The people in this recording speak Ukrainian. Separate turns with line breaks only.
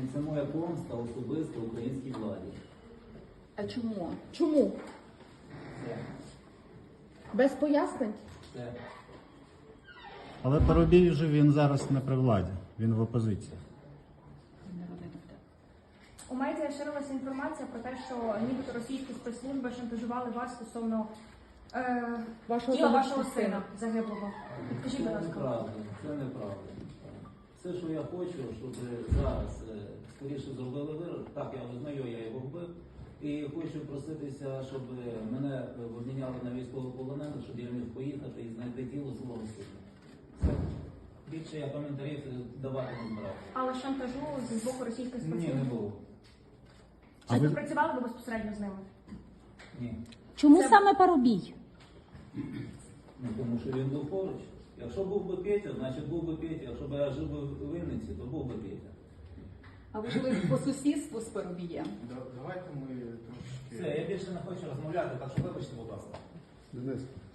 І це моя помста особисто українській владі.
А чому? Чому?
Все.
Без пояснень?
Все.
Але Парубій вже він зараз не при владі, він в опозиції.
У медіа ширилася інформація про те, що нібито російські спецслужби шантажували вас стосовно тіла вашого сина загиблого. Підкажіть,
Це
будь ласка.
неправда, це неправда. Все, що я хочу, щоб зараз скоріше зробили вирок. Так, я визнаю, я його вбив. І хочу проситися, щоб мене обміняли на військовополонених, щоб я міг поїхати і знайти тіло свого сина. Все. Більше я коментарів давати не збираюся.
Але шантажу з боку російських
Ні,
спецслужб?
не було.
А
Чи
ви-
співпрацювали ви безпосередньо з ними?
Ні.
Чому
Це-
саме Парубій?
Ну, тому що він був поруч. Якщо був би Петя, значить був би Петя. Якщо б я жив би в Вінниці, то був би Петя.
А ви жили по сусідству з Парубієм?
Давайте ми трошки...
Все, я більше не хочу розмовляти, так що вибачте, будь ласка.
Денис,